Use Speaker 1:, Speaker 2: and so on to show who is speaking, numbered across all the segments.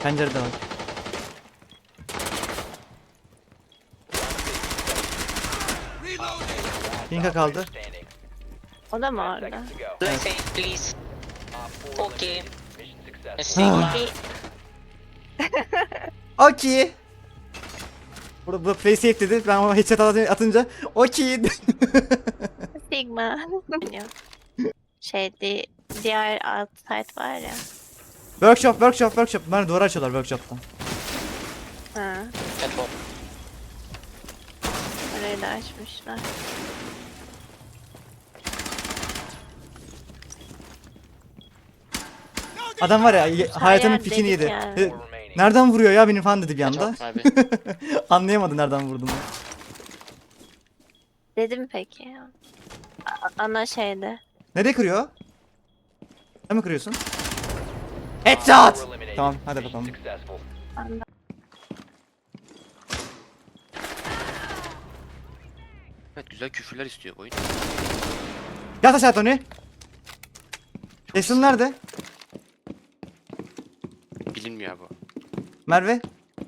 Speaker 1: Pencerede var. Pinka kaldı.
Speaker 2: O da mı orada?
Speaker 3: Play safe, please. Okay. Sigma.
Speaker 1: Okey. Burada play safe dedi. Ben ona headshot atınca okey.
Speaker 2: Sigma. Şeydi, diğer alt site var ya.
Speaker 1: Workshop. Bunlar duvar açıyorlar workshop'tan.
Speaker 2: Ha,
Speaker 3: At home.
Speaker 2: orayı da açmışlar.
Speaker 1: Adam var ya hayatının
Speaker 2: yer
Speaker 1: pikini
Speaker 2: dedik
Speaker 1: yedi.
Speaker 2: yani.
Speaker 1: Nereden vuruyor ya benim fan dedi bir anda.
Speaker 3: At home abi.
Speaker 1: Anlayamadı nereden vurduğunu.
Speaker 2: Dedim peki. Ana şeyde.
Speaker 1: Nereye kırıyor? Sen mi kırıyorsun? Headshot! Tamam hadi bakalım.
Speaker 2: Anda.
Speaker 4: Evet, güzel küfürler istiyor oyun.
Speaker 1: Yat aşağı Tony. Jason nerede?
Speaker 4: Bilinmiyor bu.
Speaker 1: Merve.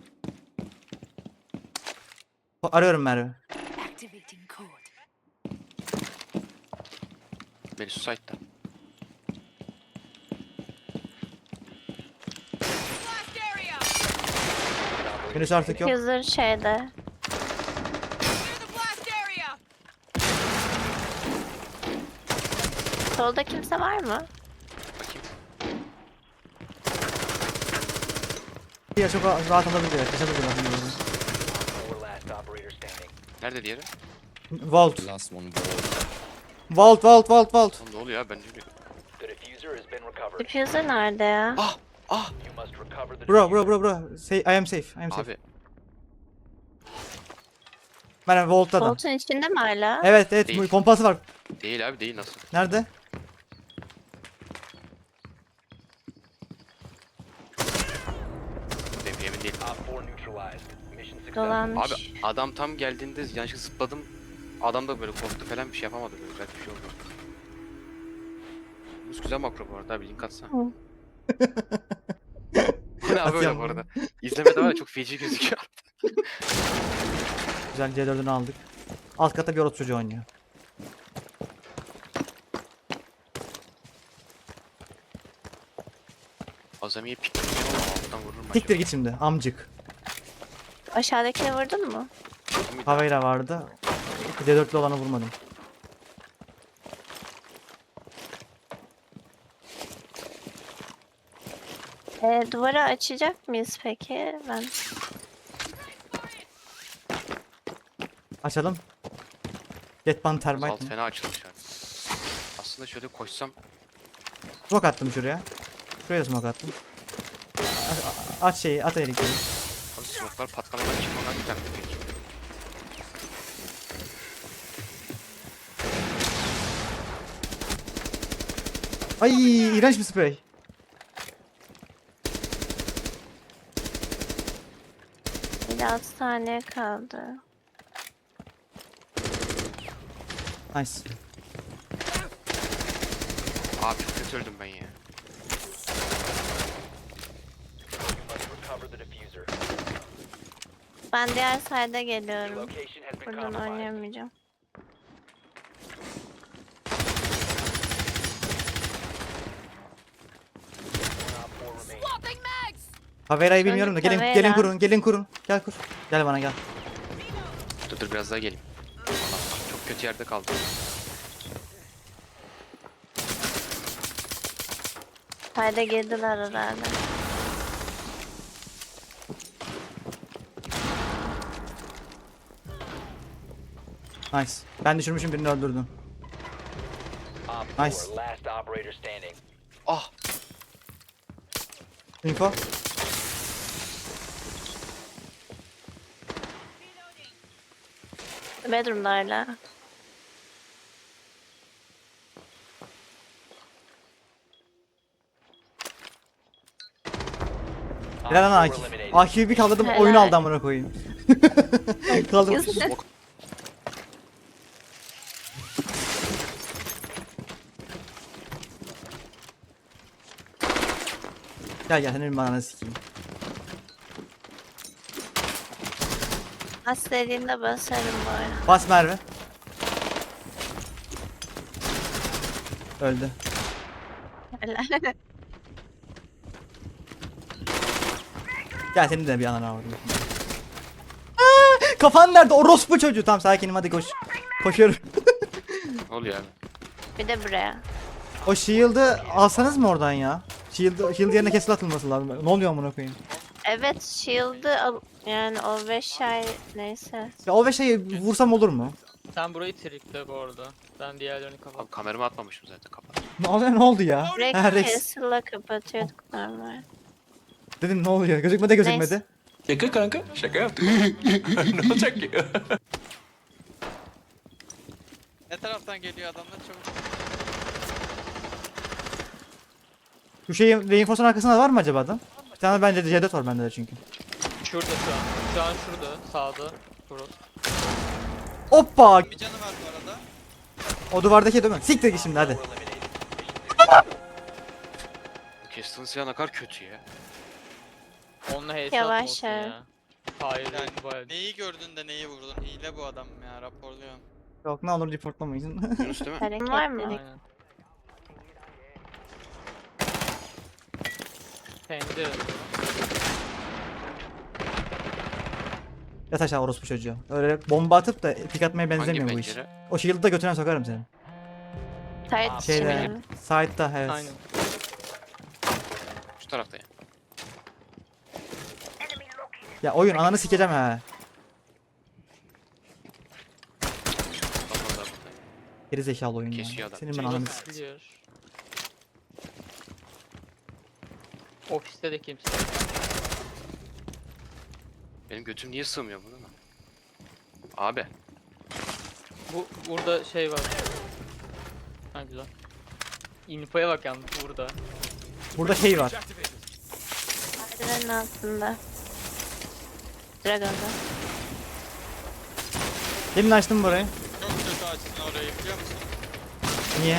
Speaker 1: Arıyorum Merve.
Speaker 4: Beni Suicide'da.
Speaker 1: Henüz artık yok.
Speaker 2: User şeyde. Solda kimse var mı?
Speaker 4: Bakayım.
Speaker 1: Ya çok rahat alabiliyor. Yaşatabiliyor.
Speaker 4: Nerede diğeri?
Speaker 1: Vault.
Speaker 5: Last one ball.
Speaker 1: Vault.
Speaker 4: Oğlum ne oluyor ya, ben ne bileyim.
Speaker 2: Diffuser nerede ya?
Speaker 4: Ah!
Speaker 1: Bro. Say, I am safe.
Speaker 4: Abi
Speaker 1: Ben Vault'ta da.
Speaker 2: Volt'un içinde mi hala?
Speaker 1: Evet
Speaker 4: Değil.
Speaker 1: pompası var.
Speaker 4: değil abi, değil, nasıl?
Speaker 1: Nerede?
Speaker 4: Benim emin değilim.
Speaker 2: Dolanmış.
Speaker 4: Abi adam tam geldiğinde yanlışlıkla zıpladım. Adam da böyle korktu falan, bir şey yapamadı, böyle güzel bir şey oldu. Bu güzel makro bu arada abi, link atsana.
Speaker 2: Hı.
Speaker 4: Bu ne abi öyle
Speaker 1: Atıyorum.
Speaker 4: bu arada. İzlemede var ya, çok feci gözüküyor.
Speaker 1: Güzel C4'ünü aldık. Alt katta bir orospu çocuğu oynuyor.
Speaker 4: Azamiye pikliyor ama alttan vururum acaba.
Speaker 1: Siktir git şimdi amcık.
Speaker 2: Aşağıdakini vurdun mu?
Speaker 1: Havayla vardı. C4'lü olanı vurmadım.
Speaker 2: Duvarı açacak mıyız peki? Ben
Speaker 1: Açalım. Jetpan
Speaker 4: Alt
Speaker 1: termite mi?
Speaker 4: fena açılmış abi. Aslında şöyle koşsam
Speaker 1: Smoke attım şuraya. Şuraya da smoke attım. Aç şeyi, at elektriği.
Speaker 4: abi, smoke'lar patlamadan çıkmadan gider peki.
Speaker 1: Ay iğrenç bir sprey.
Speaker 2: bir de 6 saniye kaldı.
Speaker 1: Nice.
Speaker 4: Abi çok kötü öldüm ben ya.
Speaker 2: Ben diğer side'a geliyorum. Buradan oynayamayacağım.
Speaker 1: Havera'yı bilmiyorum da gelin
Speaker 2: Havera.
Speaker 1: gelin kurun. Gel kur. Gel bana gel.
Speaker 4: Dur biraz daha geleyim. Allah, çok kötü yerde kaldım.
Speaker 2: Side'a girdiler herhalde.
Speaker 1: Nice. Ben düşürmüşüm birini öldürdüm. Nice.
Speaker 4: Ah!
Speaker 1: Info.
Speaker 2: Bedroom'da hala.
Speaker 1: Helal lan Akif. Akif'i bir kaldırdım
Speaker 2: Helal.
Speaker 1: oyunu aldı amına koyayım. Kaldım.
Speaker 4: Smoke.
Speaker 1: Gel senin bana sikeyim.
Speaker 2: Bas dediğinde basarım bu arada.
Speaker 1: Bas Merve. Öldü.
Speaker 2: Helal.
Speaker 1: Gel senin de bir ananı avradım. Kafan nerede? Orospu çocuğu. Tamam sakinim hadi koş. Koşuyorum.
Speaker 4: Ne oluyor abi?
Speaker 2: Bir de buraya.
Speaker 1: O shield'ı alsanız mı oradan ya? Shield yerine kesil atılması lazım. Ne oluyor amına koyayım?
Speaker 2: Evet shield'ı al. Yani o 5 ay neyse.
Speaker 1: Ya o ve şeyi vursam olur mu?
Speaker 5: Sen burayı trikle bu arada. Ben diğerlerini kapat.
Speaker 4: Abi kameramı atmamışım zaten kapat.
Speaker 1: Ne oldu ya?
Speaker 2: Direkt
Speaker 1: Ha, Rex.
Speaker 2: castle'la kapatıyorduk normal.
Speaker 1: Dedim ne oluyor? Gözükmedi gözükmedi.
Speaker 6: Şaka kanka. Şaka yaptım. Ne olacak ki?
Speaker 7: Ne taraftan geliyor adamlar çabuk.
Speaker 1: Şu şeyin reinforce'un arkasında var mı acaba adam? Bir tane bence C4 var bende de çünkü.
Speaker 5: Şurada şu an. Şu an şurada. Sağda. Burası.
Speaker 1: Hoppa!
Speaker 7: Bir canı var bu arada.
Speaker 1: O duvardaki değil mi? Siktir git şimdi hadi.
Speaker 4: Kestin silah ne kadar kötü ya.
Speaker 5: Onunla HS
Speaker 2: Yavaş
Speaker 5: atmasın
Speaker 2: ya.
Speaker 5: ya. Hayır
Speaker 7: Yani
Speaker 5: bayağı.
Speaker 7: neyi gördün de neyi vurdun? Hile bu adam ya raporluyorum.
Speaker 1: Yok ne olur reportlamayın.
Speaker 4: Yunus değil mi?
Speaker 2: Hareket var mı?
Speaker 5: Aynen. Pencere.
Speaker 1: Yat aşağı orospu çocuğu. Öyle bomba atıp da pik atmaya benzemiyor bu iş.
Speaker 4: pencere?
Speaker 1: O shield'ı da götüne sokarım seni.
Speaker 2: Tight
Speaker 1: Şeyde,
Speaker 2: şimdi.
Speaker 1: side'da evet.
Speaker 5: Aynen.
Speaker 4: Şu tarafta ya.
Speaker 1: Ya oyun ananı sikeceğim ha.
Speaker 4: Kafanda burada.
Speaker 1: Geri zekalı oyun
Speaker 4: Kesiyor
Speaker 1: ya.
Speaker 4: adam.
Speaker 1: Senin ben ananı
Speaker 5: Burası clear. Ofiste de kimse. yok.
Speaker 4: Benim götüm niye sığmıyor buna? Abi.
Speaker 5: Burada şey var. Ha güzel. Infoya bak yalnız burada.
Speaker 1: Burada şey var.
Speaker 2: Merdivenin altında. Dragon'da.
Speaker 1: Demin açtım burayı.
Speaker 7: Çok kötü açtın orayı biliyor musun?
Speaker 1: Niye?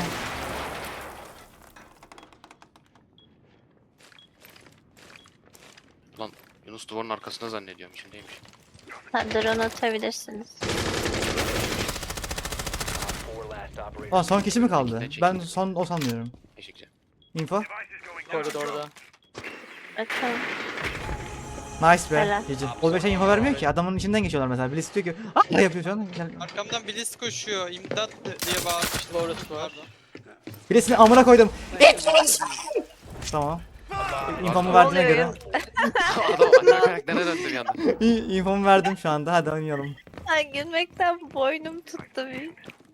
Speaker 4: Lan Yunus duvarın arkasında zannediyorum içindeymiş.
Speaker 2: Ha, drone atabilirsiniz.
Speaker 1: Aa son kişi mi kaldı?
Speaker 4: Çekil, çekil.
Speaker 1: Ben son o sanmıyorum.
Speaker 4: Teşekkür.
Speaker 1: Info.
Speaker 5: Koridorda.
Speaker 2: Bakalım.
Speaker 1: Nice be.
Speaker 2: Helal.
Speaker 1: Gece. O bir şey info vermiyor ki. Adamın içinden geçiyorlar mesela. Birisi diyor ki ne yapıyor şu an? Gel.
Speaker 7: Arkamdan Blitz koşuyor. İmdat diye bağırmıştım.
Speaker 5: Orası var.
Speaker 7: Pardon.
Speaker 1: Birisini amına koydum. Tamam. İnfomu verdiğine
Speaker 2: oluyor
Speaker 1: göre.
Speaker 2: ya?
Speaker 4: Adam anne karakterine döndü bir anda.
Speaker 1: İnfomu verdim şu anda. Hadi oynayalım.
Speaker 2: Ay gülmekten boynum tuttu bir.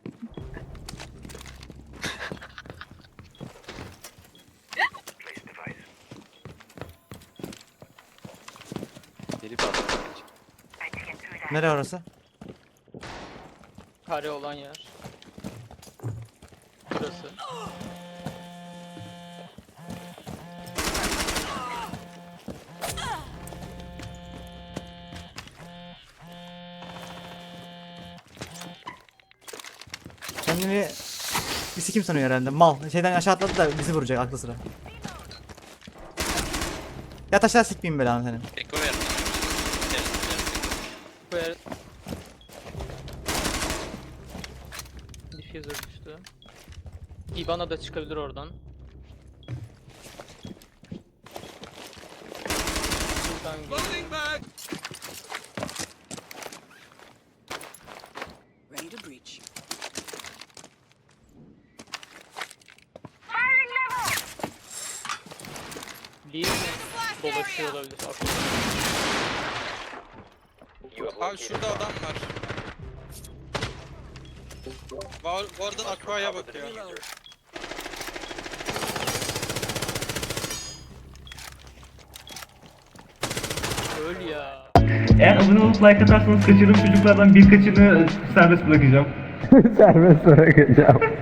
Speaker 4: Deli bir adam.
Speaker 1: Nereye orası?
Speaker 5: Kare olan yer. Burası.
Speaker 1: Kendini bir sikim sanıyor herhalde. Mal. Şeyden aşağı atladı da bizi vuracak aklı sıra. Yat aşağı sikmeyeyim belanı senin.
Speaker 7: Eko ver.
Speaker 5: Bu yer... Diffuser düştü. Ibana da çıkabilir oradan. Buradan gel.
Speaker 8: Ready to breach.
Speaker 5: Lee mi dolaşıyor olabilir aklımda.
Speaker 7: Abi şurada adam var. Oradan Aqua'ya bakıyor.
Speaker 5: Öl ya.
Speaker 9: Eğer abone olup like atarsanız kaçırdığım çocuklardan birkaçını serbest bırakacağım.
Speaker 10: Serbest bırakacağım.